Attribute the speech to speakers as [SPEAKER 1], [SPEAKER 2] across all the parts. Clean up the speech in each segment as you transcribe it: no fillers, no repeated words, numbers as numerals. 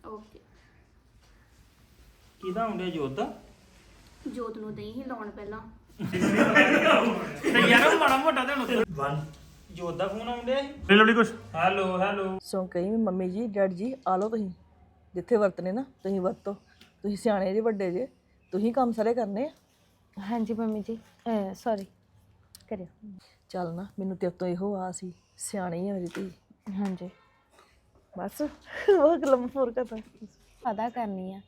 [SPEAKER 1] Okay
[SPEAKER 2] ਕਿਹਦਾ ਹੁੰਦੇ ਜੋਤ ਦਾ
[SPEAKER 1] ਜੋਤ ਨੂੰ ਦਈ ਹੀ ਲਾਉਣ ਪਹਿਲਾਂ
[SPEAKER 2] ਤੇ ਯਾਰ ਮਾੜਾ ਮੋਟਾ ਤੇ ਹੁਣ 1 ਜੋਤ ਦਾ ਫੋਨ ਆਉਂਦੇ ਲੈ ਲਵਲੀ ਕੁਛ ਹੈਲੋ ਹੈਲੋ
[SPEAKER 3] ਸੋ ਕਹੀ ਵੀ ਮੰਮੀ ਜੀ ਡੈਡ ਜੀ ਆ ਲਓ ਤੁਸੀਂ ਜਿੱਥੇ ਵਰਤਨੇ ਨਾ ਤੁਸੀਂ ਵਰਤੋ ਤੁਸੀਂ ਸਿਆਣੇ ਜੇ ਵੱਡੇ ਜੇ ਤੁਸੀਂ ਕੰਮ ਸਾਰੇ ਕਰਨੇ ਆ
[SPEAKER 4] ਹਾਂਜੀ ਮੰਮੀ ਜੀ ਸੌਰੀ ਕਰਿਓ
[SPEAKER 3] ਚੱਲ ਨਾ ਮੈਨੂੰ ਤੇਰੇ ਤੋਂ ਇਹੋ ਆ ਸੀ ਸਿਆਣੀ ਆ ਮੇਰੀ ਧੀ
[SPEAKER 4] ਹਾਂਜੀ
[SPEAKER 3] ਬਸ ਉਹ ਲੰਮ ਫੋਰ ਕਰਦਾ
[SPEAKER 4] ਪਤਾ ਕਰਨੀ ਆ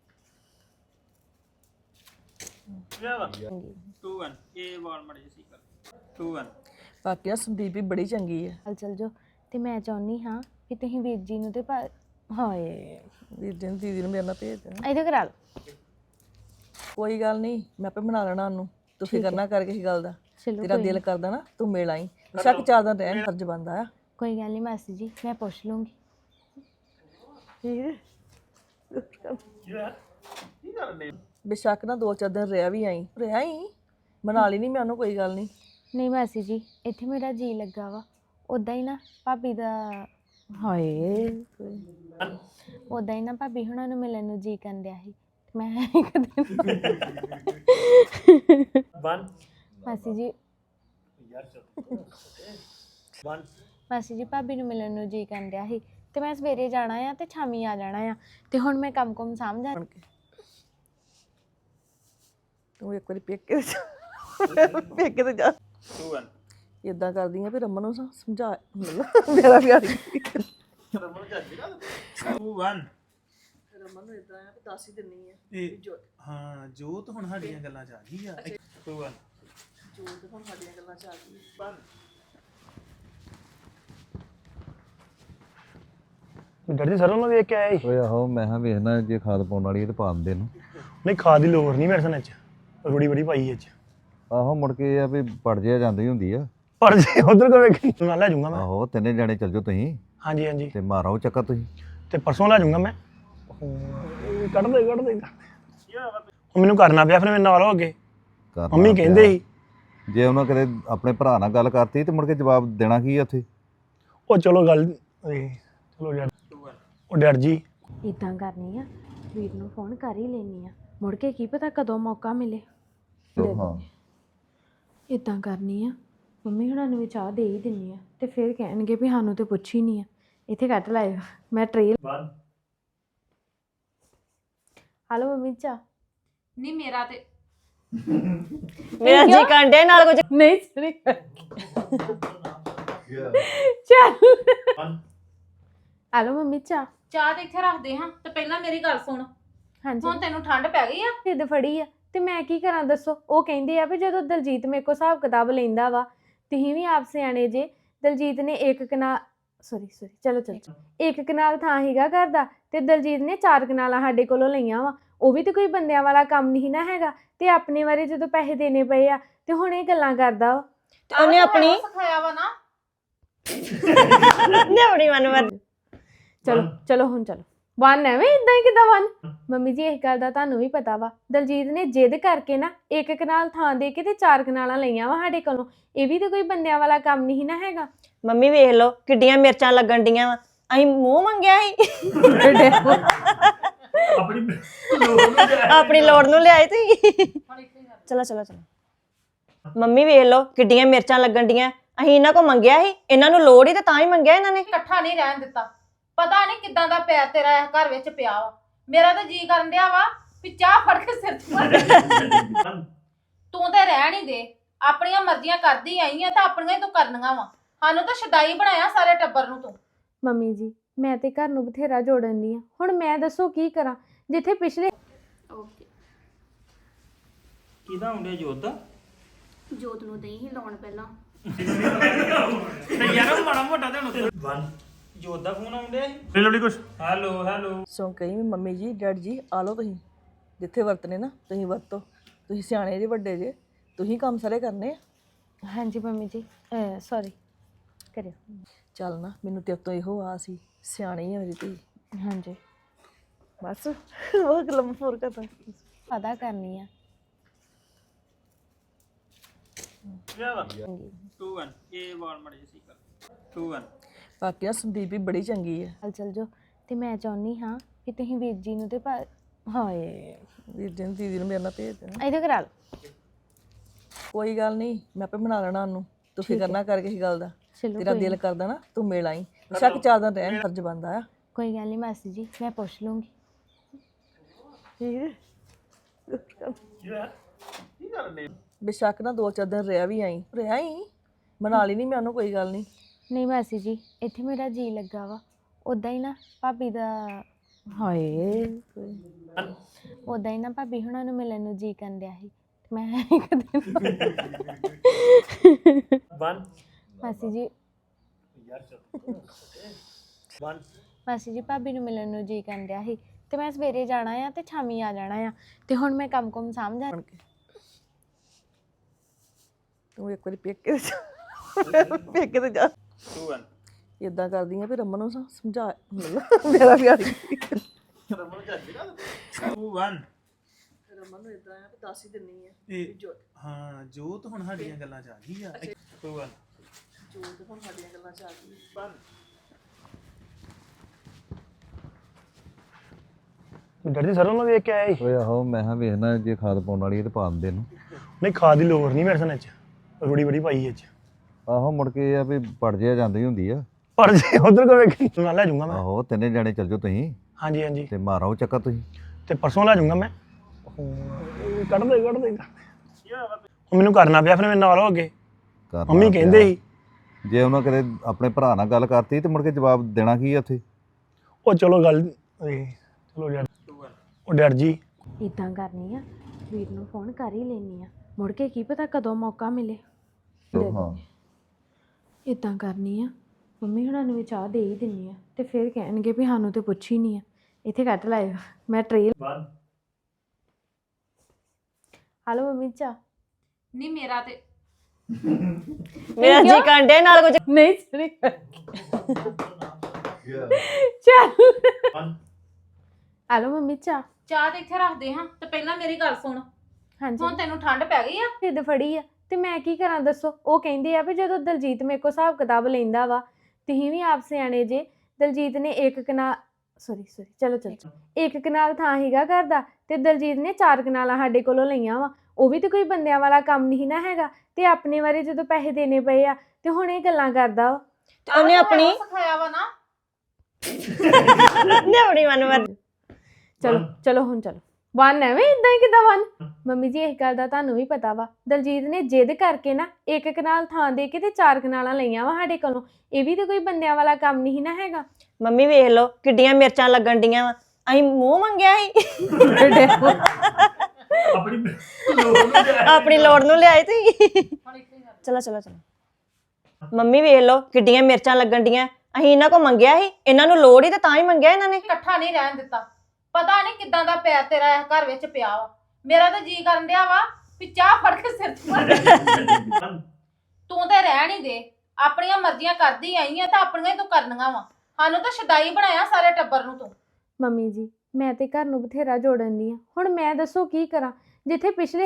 [SPEAKER 2] 2 1 ਇਹ ਵਾਲ ਮੜੇ ਸੀ ਕਰ 2 1
[SPEAKER 3] ਬਾਕੀ ਨਾ ਸੰਦੀਪ ਵੀ ਬੜੀ ਚੰਗੀ ਹੈ
[SPEAKER 4] ਚੱਲ ਜਾਓ ਤੇ ਮੈਂ ਚਾਹੁੰਦੀ ਹਾਂ ਕਿ ਤੁਸੀਂ ਵੀਰ ਜੀ ਨੂੰ ਤੇ ਹਾਏ
[SPEAKER 3] ਵੀਰ ਜੀ ਨੂੰ ਦੀਦੀ ਨੂੰ ਮੇਰੇ ਨਾਲ ਭੇਜ ਦੇਣਾ
[SPEAKER 4] ਇਹਦੇ ਕਰਾ ਲਓ
[SPEAKER 3] ਕੋਈ ਗੱਲ ਨਹੀਂ ਮੈਂ ਆਪੇ ਬਣਾ ਲੈਣਾ ਉਹਨੂੰ ਤੂੰ ਫਿਕਰ ਨਾ ਕਰ ਕਿਸੇ ਗੱਲ ਦਾ
[SPEAKER 4] ਚਲੋ
[SPEAKER 3] ਤੇਰਾ ਦਿਲ ਕਰਦਾ ਨਾ ਤੂੰ ਮਿਲ ਆਈ ਸ਼ੱਕ ਚਾਰ ਦਾ ਰਹਿਣ ਫਰਜ਼ ਬੰਦਾ ਆ
[SPEAKER 4] ਕੋਈ ਗੱਲ ਨਹੀਂ ਮਾਸੀ ਜੀ ਮੈਂ ਪੁੱਛ ਲੂੰਗੀ
[SPEAKER 3] ਬੇਸ਼ੱਕ ਨਾ 2-4 ਦਿਨ ਰਿਹਾ ਵੀ ਆਈ ਮਨਾ ਲਈ ਨਹੀਂ ਮੈਂ ਉਹਨੂੰ ਕੋਈ ਗੱਲ ਨਹੀਂ
[SPEAKER 4] ਨਹੀਂ ਮਾਸੀ ਜੀ ਇੱਥੇ ਮੇਰਾ ਜੀ ਲੱਗਾ ਵਾ ਉਦਾਂ ਹੀ ਨਾ ਭਾਬੀ ਦਾ ਹਾਏ ਉਦਾਂ ਹੀ ਨਾ ਭਾਬੀ ਹੁਣਾਂ ਨੂੰ ਮਿਲਣ ਨੂੰ ਜੀ ਕਰਨ ਡਿਆ ਸੀ ਮੈਂ ਕਦੇ
[SPEAKER 2] 1
[SPEAKER 4] ਮਾਸੀ ਜੀ
[SPEAKER 2] 1
[SPEAKER 4] ਮਾਸੀ ਜੀ ਭਾਬੀ ਨੂੰ ਮਿਲਣ ਨੂੰ ਜੀ ਕਰਨ ਡਿਆ ਸੀ ਤੇ ਮੈਂ ਸਵੇਰੇ ਜਾਣਾ ਆ ਤੇ ਸ਼ਾਮੀ ਆ ਜਾਣਾ ਆ ਤੇ ਹੁਣ ਮੈਂ ਕੰਮ ਸਮਝਾ
[SPEAKER 3] ਤੂੰ ਇੱਕ ਵਾਰੀ ਪੇਕੇ ਤੇ ਜਾ
[SPEAKER 2] 2 1
[SPEAKER 3] ਇਦਾਂ ਕਰਦੀ ਆ ਵੀ ਰਮਨ ਨੂੰ ਸਮਝਾ ਮੇਰਾ ਵੀ ਆ ਰਹੀ
[SPEAKER 2] 2 1
[SPEAKER 3] ਰਮਨ ਨੂੰ ਇਦਾਂ ਆ ਵੀ ਦੱਸ ਹੀ ਦਿੰਨੀ ਆ
[SPEAKER 5] ਹਾਂ ਜੋਤ ਹੁਣ ਸਾਡੀਆਂ ਗੱਲਾਂ ਚ ਆ ਗਈ ਆ
[SPEAKER 2] 2 1
[SPEAKER 3] ਜੋਤ ਹੁਣ ਸਾਡੀਆਂ ਗੱਲਾਂ ਚ ਆ ਗਈ
[SPEAKER 5] ਡਰਦੀ ਸਰੋਂ ਨੂੰ ਵੇਖ ਕੇ ਆਇਆ ਸੀ
[SPEAKER 6] ਓਏ ਆਹੋ ਮੈਂ ਕਿਹਾ ਵੇਖਣਾ ਜੇ ਖਾਦ ਪਾਉਣ ਵਾਲੀ ਹੈ ਤੇ ਪਾ ਦਿੰਦੇ ਨੂੰ
[SPEAKER 5] ਨਹੀਂ ਖਾਦ ਦੀ ਲੋੜ ਨਹੀਂ ਮੇਰੇ ਸਨ ਚ ਰੂੜੀ ਬੜੀ ਪਾਈ ਇਹ ਚ
[SPEAKER 6] ਆਹੋ ਮੁੜ ਕੇ ਇਹ ਆ ਵੀ ਪੜ ਜਿਆ ਜਾਂਦੀ ਹੁੰਦੀ ਆ
[SPEAKER 5] ਪਰ ਜੇ ਉਧਰ ਕੋ ਵੇਖ ਨਾਲ ਲੈ ਜਾਊਂਗਾ ਮੈਂ
[SPEAKER 6] ਆਹੋ ਤਿੰਨੇ ਜਾਣੇ ਚੱਲ ਜਾਓ ਤੁਸੀਂ
[SPEAKER 5] ਹਾਂਜੀ ਹਾਂਜੀ
[SPEAKER 6] ਤੇ ਮਾਰੋ ਚੱਕਰ ਤੁਸੀਂ
[SPEAKER 5] ਤੇ ਪਰਸੋਂ ਲੈ ਜਾਊਂਗਾ ਮੈਂ ਕੱਢ ਦੇ ਹੁਣ ਮੈਨੂੰ ਕਰਨਾ ਪਿਆ ਫਿਰ ਮੇਰੇ ਨਾਲ ਹੋ ਗਏ
[SPEAKER 6] ਕਰਨਾ
[SPEAKER 5] ਮੰਮੀ ਕਹਿੰਦੇ ਸੀ
[SPEAKER 6] ਜੇ ਉਹਨਾਂ ਕਦੇ ਆਪਣੇ ਭਰਾ ਨਾਲ ਗੱਲ ਕਰਤੀ ਤੇ ਮੁੜ ਕੇ ਜਵਾਬ ਦੇਣਾ ਕੀ ਆ ਉੱਥੇ
[SPEAKER 5] ਉਹ ਚਲੋ ਗੱਲ ਚਲੋ ਡੈਡ ਉਹ ਡੈਡ ਜੀ
[SPEAKER 4] ਇਦਾਂ ਕਰਨੀ ਆ ਵੀਰ ਨੂੰ ਫੋਨ ਕਰ ਹੀ ਲੈਣੀ ਆ ਮੁੜ ਕੇ ਕੀ ਪਤਾ ਕਦੋਂ ਮੌਕਾ ਮਿਲੇ
[SPEAKER 6] ਹਾਂ
[SPEAKER 4] ਇਦਾਂ ਕਰਨੀ ਆ ਮੰਮੀ ਹੁਣਾਂ ਨੂੰ ਵੀ ਚਾਹ ਦੇ ਹੀ ਦਿੰਨੀ ਆ ਤੇ ਫਿਰ ਕਹਿਣਗੇ ਵੀ ਸਾਨੂੰ ਤੇ ਪੁੱਛ ਹੀ ਨਹੀਂ ਆ ਇੱਥੇ ਕੱਟ ਲਾਇਓ ਮੈਂ ਟ੍ਰੇਲ
[SPEAKER 2] 1
[SPEAKER 4] ਹਲੋ ਮੰਮੀ ਚਾਹ
[SPEAKER 1] ਨਹੀਂ ਮੇਰਾ ਤੇ
[SPEAKER 3] ਮੇਰਾ ਜੀ ਕਾਂਡੇ ਨਾਲ ਕੁਝ
[SPEAKER 4] ਨਹੀਂ ਸੁਣੀ ਚੱਲ
[SPEAKER 2] 1
[SPEAKER 4] ਹਲੋ ਮੰਮੀ ਚਾਹ
[SPEAKER 1] ਚਾਹ ਤੇ ਇੱਥੇ ਰੱਖਦੇ ਹਾਂ ਤੇ ਪਹਿਲਾਂ ਮੇਰੀ ਗੱਲ ਸੁਣ
[SPEAKER 4] ਹਾਂਜੀ
[SPEAKER 1] ਹੁਣ ਤੈਨੂੰ ਠੰਡ ਪੈ ਗਈ ਆ
[SPEAKER 4] ਜਿੱਦ ਫੜੀ ਆ ਤੇ ਮੈਂ ਕੀ ਕਰਾਂ ਦੱਸੋ ਉਹ ਕਹਿੰਦੇ ਆ ਵੀ ਜਦੋਂ ਦਲਜੀਤ ਮੇਰੇ ਕੋਲ ਹਿਸਾਬ ਕਿਤਾਬ ਲੈਂਦਾ ਵਾ ਤੁਸੀਂ ਵੀ ਆਪ ਸਿਆਣੇ ਜੇ ਦਲਜੀਤ ਨੇ ਇੱਕ ਕਨਾਲ ਚਲੋ ਇੱਕ ਕਨਾਲ ਥਾਂ ਹੀਗਾ ਘਰ ਦਾ ਤੇ ਦਲਜੀਤ ਨੇ 4 ਕਨਾਲਾਂ ਸਾਡੇ ਕੋਲੋਂ ਲਈਆਂ ਵਾ ਉਹ ਵੀ ਤੇ ਕੋਈ ਬੰਦਿਆਂ ਵਾਲਾ ਕੰਮ ਨਹੀਂ ਨਾ ਹੈਗਾ ਤੇ ਆਪਣੇ ਬਾਰੇ ਜਦੋਂ ਪੈਸੇ ਦੇਣੇ ਪਏ ਆ ਤੇ ਹੁਣ ਇਹ ਗੱਲਾਂ ਕਰਦਾ ਵਾ
[SPEAKER 3] ਤੇ ਉਹਨੇ ਆਪਣੀ
[SPEAKER 1] ਸਿਖਾਇਆ ਵਾ ਨਾ
[SPEAKER 3] ਆਪਣੀ ਮਨ
[SPEAKER 4] ਚਲੋ ਹੁਣ ਚਲੋ 1 ਐਵੇਂ ਇਦਾਂ ਹੀ ਕਿਦਾਂ 1 ਮੰਮੀ ਜੀ ਇਸ ਗੱਲ ਦਾ ਤੁਹਾਨੂੰ ਵੀ ਪਤਾ ਵਾ ਦਲਜੀਤ ਨੇ ਜਿੱਦ ਕਰਕੇ ਨਾ ਇੱਕ ਕਨਾਲ ਥਾਂ ਦੇ ਕੇ ਤੇ 4 ਕਨਾਲਾਂ ਲਈਆਂ ਵਾ ਸਾਡੇ ਕੋਲੋਂ ਇਹ ਵੀ ਤੇ ਕੋਈ ਬੰਦਿਆਂ ਵਾਲਾ ਕੰਮ ਨਹੀਂ ਨਾ ਹੈਗਾ
[SPEAKER 3] ਮੰਮੀ ਵੇਖ ਲਓ ਕਿੱਡੀਆਂ ਮਿਰਚਾਂ ਲੱਗਣ ਡੀਆਂ ਵਾ ਅਸੀਂ ਮੂੰਹ ਮੰਗਿਆ ਸੀ ਆਪਣੀ ਲੋੜ ਨੂੰ ਲਿਆਏ ਤੁਸੀਂ ਚਲੋ ਮੰਮੀ ਵੇਖ ਲਓ ਕਿੱਡੀਆਂ ਮਿਰਚਾਂ ਲੱਗਣ ਡੀਆਂ ਅਸੀਂ ਇਹਨਾਂ ਕੋ ਮੰਗਿਆ ਸੀ ਇਹਨਾਂ ਨੂੰ ਲੋੜ ਹੀ ਤੇ ਤਾਂ ਹੀ ਮੰਗਿਆ ਇਹਨਾਂ ਨੇ
[SPEAKER 1] ਇਕੱਠਾ ਨਹੀਂ ਰਹਿਣ ਦਿੱਤਾ ਪਤਾ ਨਹੀਂ ਕਿੱਦਾਂ ਦਾ ਪੈਰ ਤੇਰਾ ਇਸ ਘਰ ਵਿੱਚ ਪਿਆ ਵਾ ਮੇਰਾ ਤਾਂ ਜੀ ਕਰਨ ਡਿਆ ਵਾ ਵੀ ਚਾਹ ਫੜ ਕੇ ਸਿਰ 'ਚ ਮਾਰ ਤੂੰ ਤੇ ਰਹਿਣ ਹੀ ਦੇ ਆਪਣੀਆਂ ਮਰਜ਼ੀਆਂ ਕਰਦੀ ਆਈ ਆ ਤਾਂ ਆਪਣੀਆਂ ਹੀ ਤੂੰ ਕਰਨੀਆਂ ਵਾ ਸਾਨੂੰ ਤਾਂ ਸ਼ਦਾਈ ਬਣਾਇਆ ਸਾਰੇ ਟੱਬਰ ਨੂੰ ਤੂੰ
[SPEAKER 4] ਮੰਮੀ ਜੀ ਮੈਂ ਤੇ ਘਰ ਨੂੰ ਬਥੇਰਾ ਜੋੜਨ ਦੀ ਆ ਹੁਣ ਮੈਂ ਦੱਸੋ ਕੀ ਕਰਾਂ ਜਿੱਥੇ ਪਿਛਲੇ
[SPEAKER 1] ਓਕੇ
[SPEAKER 2] ਕਿਹਦਾ ਹੁੰਦੇ ਜੋਤ ਦਾ
[SPEAKER 1] ਜੋਤ ਨੂੰ ਦਈ ਹੀ ਲਾਉਣ ਪਹਿਲਾਂ
[SPEAKER 2] ਤੇ ਯਾਰ ਮਾੜਾ ਮੋਟਾ ਤੇ ਹੁਣ 1 ਜੋਤ ਦਾ ਫੋਨ ਆਉਂਦੇ ਲੈ ਲਵਲੀ ਕੁਛ ਹੈਲੋ
[SPEAKER 3] ਸੋ ਕਹੀ ਵੀ ਮੰਮੀ ਜੀ ਡੈਡ ਜੀ ਆ ਲਓ ਤੁਸੀਂ ਜਿੱਥੇ ਵਰਤਨੇ ਨਾ ਤੁਸੀਂ ਵਰਤੋ ਤੁਸੀਂ ਸਿਆਣੇ ਜੇ ਵੱਡੇ ਜੇ ਤੁਸੀਂ ਕੰਮ ਸਾਰੇ ਕਰਨੇ ਆ
[SPEAKER 4] ਹਾਂਜੀ ਮੰਮੀ ਜੀ ਸੌਰੀ ਕਰਿਓ
[SPEAKER 3] ਚੱਲ ਨਾ ਮੈਨੂੰ ਤੇਰੇ ਤੋਂ ਇਹੋ ਆ ਸੀ ਸਿਆਣੀ ਆ ਮੇਰੀ ਧੀ
[SPEAKER 4] ਹਾਂਜੀ
[SPEAKER 3] ਬਸ ਉਹ ਲੰਮ ਫੋਰ ਕਰਦਾ
[SPEAKER 4] ਪਤਾ ਕਰਨੀ ਆ
[SPEAKER 2] 2 1 ਇਹ ਵਾਲ ਮੜੇ ਸੀ ਕਰ 2 1
[SPEAKER 3] ਬਾਕੀ ਨਾ ਸੰਦੀਪ ਵੀ ਬੜੀ ਚੰਗੀ ਹੈ
[SPEAKER 4] ਚੱਲ ਜਾਓ ਤੇ ਮੈਂ ਚਾਹੁੰਦੀ ਹਾਂ ਕਿ ਤੁਸੀਂ ਵੀਰ ਜੀ ਨੂੰ ਤੇ
[SPEAKER 7] ਹਾਏ ਵੀਰ ਜੀ ਨੂੰ ਦੀਦੀ ਨੂੰ ਮੇਰੇ ਨਾਲ ਭੇਜ ਦੇਣਾ
[SPEAKER 4] ਇਹਦੇ ਕਰਾ ਲਓ।
[SPEAKER 7] ਕੋਈ ਗੱਲ ਨਹੀਂ ਮੈਂ ਆਪੇ ਬਣਾ ਲੈਣਾ ਉਹਨੂੰ ਤੂੰ ਫਿਕਰ ਨਾ ਕਰ ਕਿਸੇ ਗੱਲ ਦਾ
[SPEAKER 4] ਚਲੋ
[SPEAKER 7] ਤੇਰਾ ਦਿਲ ਕਰਦਾ ਨਾ ਤੂੰ ਮਿਲ ਆਈ ਸ਼ੱਕ 4 ਦਿਨ ਰਹਿਣ ਫਰਜ਼ ਬਣਦਾ ਆ
[SPEAKER 4] ਕੋਈ ਗੱਲ ਨਹੀਂ ਮਾਸੀ ਜੀ ਮੈਂ ਪੁੱਛ ਲੂੰਗੀ।
[SPEAKER 7] ਬੇਸ਼ੱਕ ਨਾ 2-4 ਦਿਨ ਰਿਹਾ ਵੀ ਆਈ ਮਨਾ ਲਈ ਨਹੀਂ ਮੈਂ ਉਹਨੂੰ ਕੋਈ ਗੱਲ ਨਹੀਂ
[SPEAKER 4] ਨਹੀਂ ਮਾਸੀ ਜੀ ਇੱਥੇ ਮੇਰਾ ਜੀ ਲੱਗਾ ਵਾ ਉਦਾਂ ਹੀ ਨਾ ਭਾਬੀ ਦਾ
[SPEAKER 7] ਹਾਏ
[SPEAKER 4] ਉਦਾਂ ਹੀ ਨਾ ਭਾਬੀ ਹੁਣਾਂ ਨੂੰ ਮਿਲਣ ਨੂੰ ਜੀ ਕਰਨ ਡਿਆ ਸੀ ਤੇ ਮੈਂ ਕਦੇ
[SPEAKER 2] 1
[SPEAKER 4] ਮਾਸੀ ਜੀ
[SPEAKER 2] 1
[SPEAKER 4] ਮਾਸੀ ਜੀ ਭਾਬੀ ਨੂੰ ਮਿਲਣ ਨੂੰ ਜੀ ਕਰਨ ਡਿਆ ਸੀ ਤੇ ਮੈਂ ਸਵੇਰੇ ਜਾਣਾ ਆ ਤੇ ਸ਼ਾਮੀ ਆ ਜਾਣਾ ਆ ਤੇ ਹੁਣ ਮੈਂ ਕੰਮ ਸਮਝਾ
[SPEAKER 7] ਬਣ ਕੇ ਤੂੰ ਇੱਕ ਵਾਰੀ ਪੇਕੇ ਤੇ ਜਾ
[SPEAKER 2] 2 1
[SPEAKER 7] ਇਦਾਂ ਕਰਦੀ ਆ ਵੀ ਰਮਨ ਨੂੰ ਸਮਝਾ ਮੇਰਾ ਪਿਆਰ
[SPEAKER 2] 2 1
[SPEAKER 7] ਰਮਨ ਨੂੰ ਇਦਾਂ ਆ ਕਿ ਦੱਸ ਹੀ ਦਿੰਨੀ ਆ
[SPEAKER 8] ਹਾਂ ਜੋਤ ਹੁਣ ਸਾਡੀਆਂ ਗੱਲਾਂ ਚ ਆ ਗਈ ਆ
[SPEAKER 2] 2 1
[SPEAKER 7] ਜੋਤ ਹੁਣ ਸਾਡੀਆਂ ਗੱਲਾਂ ਚ ਆ ਗਈ
[SPEAKER 5] ਡਰ ਜੀ ਸਰੋਂ ਨੂੰ ਵੇਖ ਕੇ ਆਇਆ ਸੀ
[SPEAKER 6] ਓਏ ਆਹੋ ਮੈਂ ਕਿਹਾ ਵੇਖਣਾ ਜੇ ਖਾਦ ਪਾਉਣ ਵਾਲੀ ਹੈ ਤੇ ਪਾ ਦਿੰਦੇ ਨੂੰ
[SPEAKER 5] ਨਹੀਂ ਖਾਦ ਦੀ ਲੋੜ ਨਹੀਂ ਮੇਰੇ ਸਨ ਚ ਰੂੜੀ ਬੜੀ ਪਾਈ ਇਹ ਚ
[SPEAKER 6] ਆਹੋ ਮੁੜ ਕੇ ਇਹ ਆ ਵੀ ਪੜ ਜਿਆ ਜਾਂਦੀ ਹੁੰਦੀ ਆ
[SPEAKER 5] ਪਰ ਜੇ ਉਧਰ ਕੋ ਵੇਖ ਨਾਲ ਲੈ ਜਾਊਂਗਾ ਮੈਂ
[SPEAKER 6] ਆਹੋ ਤਿੰਨੇ ਜਾਣੇ ਚੱਲ ਜਾਓ ਤੁਸੀਂ
[SPEAKER 5] ਹਾਂਜੀ ਹਾਂਜੀ
[SPEAKER 6] ਤੇ ਮਾਰੋ ਚੱਕਰ ਤੁਸੀਂ
[SPEAKER 5] ਤੇ ਪਰਸੋਂ ਲੈ ਜਾਊਂਗਾ ਮੈਂ ਕੱਢ ਦੇ ਹੁਣ ਮੈਨੂੰ ਕਰਨਾ ਪਿਆ ਫਿਰ ਮੇਰੇ ਨਾਲ ਹੋ ਗਏ
[SPEAKER 6] ਕਰਨਾ
[SPEAKER 5] ਮੰਮੀ ਕਹਿੰਦੇ
[SPEAKER 6] ਪਿਆ।
[SPEAKER 5] ਸੀ
[SPEAKER 6] ਜੇ ਉਹਨਾਂ ਕਦੇ ਆਪਣੇ ਭਰਾ ਨਾਲ ਗੱਲ ਕਰਤੀ ਤੇ ਮੁੜ ਕੇ ਜਵਾਬ ਦੇਣਾ ਕੀ ਆ ਉੱਥੇ
[SPEAKER 5] ਉਹ ਚਲੋ ਗੱਲ ਚਲੋ ਡਰ ਉਹ ਡਰ ਜੀ
[SPEAKER 4] ਇਦਾਂ ਕਰਨੀ ਆ ਵੀਰ ਨੂੰ ਫੋਨ ਕਰ ਹੀ ਲੈਣੀ ਆ ਮੁੜ ਕੇ ਕੀ ਪਤਾ ਕਦੋਂ ਮੌਕਾ ਮਿਲੇ
[SPEAKER 6] ਹਾਂ
[SPEAKER 4] ਇਦਾਂ ਕਰਨੀ ਆ ਮੰਮੀ ਹੁਣਾਂ ਨੂੰ ਵੀ ਚਾਹ ਦੇ ਹੀ ਦਿੰਨੀ ਆ ਤੇ ਫਿਰ ਕਹਿਣਗੇ ਵੀ ਸਾਨੂੰ ਤੇ ਪੁੱਛ ਹੀ ਨਹੀਂ ਆ ਇੱਥੇ ਕੱਟ ਲਾਇਓ ਮੈਂ ਟ੍ਰੇਲ
[SPEAKER 2] 1
[SPEAKER 4] ਹਲੋ ਮੰਮੀ ਚਾਹ
[SPEAKER 1] ਨਹੀਂ ਮੇਰਾ ਤੇ
[SPEAKER 3] ਮੇਰਾ ਜੀ ਕਾਂਡੇ ਨਾਲ ਕੁਝ
[SPEAKER 4] ਨਹੀਂ ਸਰੀ ਚੱਲ
[SPEAKER 2] 1
[SPEAKER 4] ਹਲੋ ਮੰਮੀ ਚਾਹ
[SPEAKER 1] ਚਾਹ ਤੇ ਇੱਥੇ ਰੱਖਦੇ ਹਾਂ ਤੇ ਪਹਿਲਾਂ ਮੇਰੀ ਗੱਲ ਸੁਣ
[SPEAKER 4] ਹਾਂਜੀ
[SPEAKER 1] ਹੁਣ ਤੈਨੂੰ ਠੰਡ ਪੈ ਗਈ ਆ
[SPEAKER 4] ਢਿੱਡ ਫੜੀ ਆ ਤੇ ਮੈਂ ਕੀ ਕਰਾਂ ਦੱਸੋ ਉਹ ਕਹਿੰਦੇ ਆ ਵੀ ਜਦੋਂ ਦਲਜੀਤ ਮੇਰੇ ਕੋਲ ਹਿਸਾਬ ਕਿਤਾਬ ਲੈਂਦਾ ਵਾ ਤੁਸੀਂ ਵੀ ਆਪ ਸਿਆਣੇ ਜੇ ਦਲਜੀਤ ਨੇ ਇੱਕ ਕਨਾਲ ਚਲੋ ਇੱਕ ਕਨਾਲ ਥਾਂ ਹੀਗਾ ਘਰ ਦਾ ਤੇ ਦਲਜੀਤ ਨੇ 4 ਕਨਾਲਾਂ ਸਾਡੇ ਕੋਲੋਂ ਲਈਆਂ ਵਾ ਉਹ ਵੀ ਤੇ ਕੋਈ ਬੰਦਿਆਂ ਵਾਲਾ ਕੰਮ ਨਹੀਂ ਨਾ ਹੈਗਾ ਤੇ ਆਪਣੇ ਬਾਰੇ ਜਦੋਂ ਪੈਸੇ ਦੇਣੇ ਪਏ ਆ ਤੇ ਹੁਣ ਇਹ ਗੱਲਾਂ ਕਰਦਾ ਵਾ
[SPEAKER 3] ਤੇ ਉਹਨੇ ਆਪਣੀ
[SPEAKER 1] ਸਿਖਾਇਆ ਵਾ ਨਾ
[SPEAKER 3] ਨੇ ਆਪਣੀ ਮਨ
[SPEAKER 4] ਚਲੋ ਹੁਣ ਚਲੋ ਵਨ ਐਵੇਂ ਇਦਾਂ ਹੀ ਕਿਦਾਂ ਵਨ ਮੰਮੀ ਜੀ ਇਹ ਗੱਲ ਦਾ ਤੁਹਾਨੂੰ ਵੀ ਪਤਾ ਵਾ ਦਲਜੀਤ ਨੇ ਜਿੱਦ ਕਰਕੇ ਨਾ ਇੱਕ ਕਨਾਲ ਥਾਂ ਦੇ ਕੇ ਤੇ 4 ਕਨਾਲਾਂ ਲਈਆਂ ਵਾ ਸਾਡੇ ਕੋਲੋਂ ਇਹ ਵੀ ਤੇ ਕੋਈ ਬੰਦਿਆਂ ਵਾਲਾ ਕੰਮ ਨਹੀਂ ਨਾ ਹੈਗਾ
[SPEAKER 3] ਮੰਮੀ ਵੇਖ ਲਓ ਕਿੱਡੀਆਂ ਮਿਰਚਾਂ ਲੱਗਣ ਡੀਆਂ ਵਾ ਅਸੀਂ ਮੂੰਹ ਮੰਗਿਆ ਸੀ ਆਪਣੀ ਲੋੜ ਨੂੰ ਲਿਆਏ ਤੁਸੀਂ ਚਲੋ ਮੰਮੀ ਵੇਖ ਲਓ ਕਿੱਡੀਆਂ ਮਿਰਚਾਂ ਲੱਗਣ ਡੀਆਂ ਅਸੀਂ ਇਹਨਾਂ ਕੋ ਮੰਗਿਆ ਸੀ ਇਹਨਾਂ ਨੂੰ ਲੋੜ ਹੀ ਤੇ ਤਾਂ ਹੀ ਮੰਗਿਆ ਇਹਨਾਂ ਨੇ
[SPEAKER 1] ਇਕੱਠਾ ਨਹੀਂ ਰਹਿਣ ਦਿੱਤਾ ਪਤਾ ਨਹੀਂ ਕਿੱਦਾਂ ਦਾ ਪੈਰ ਤੇਰਾ ਇਸ ਘਰ ਵਿੱਚ ਪਿਆ ਵਾ ਮੇਰਾ ਤਾਂ ਜੀ ਕਰਨ ਡਿਆ ਵਾ ਵੀ ਚਾਹ ਫੜ ਕੇ ਸਿਰ 'ਚ ਮਾਰ ਤੂੰ ਤੇ ਰਹਿਣ ਹੀ ਦੇ ਆਪਣੀਆਂ ਮਰਜ਼ੀਆਂ ਕਰਦੀ ਆਈ ਆ ਤਾਂ ਆਪਣੀਆਂ ਹੀ ਤੂੰ ਕਰਨੀਆਂ ਵਾ ਸਾਨੂੰ ਤਾਂ ਸ਼ਦਾਈ ਬਣਾਇਆ ਸਾਰੇ ਟੱਬਰ ਨੂੰ ਤੂੰ
[SPEAKER 4] ਮੰਮੀ ਜੀ ਮੈਂ ਤੇ ਘਰ ਨੂੰ ਬਥੇਰਾ ਜੋੜਨ ਦੀ ਆ ਹੁਣ ਮੈਂ ਦੱਸੋ ਕੀ ਕਰਾਂ ਜਿੱਥੇ ਪਿਛਲੇ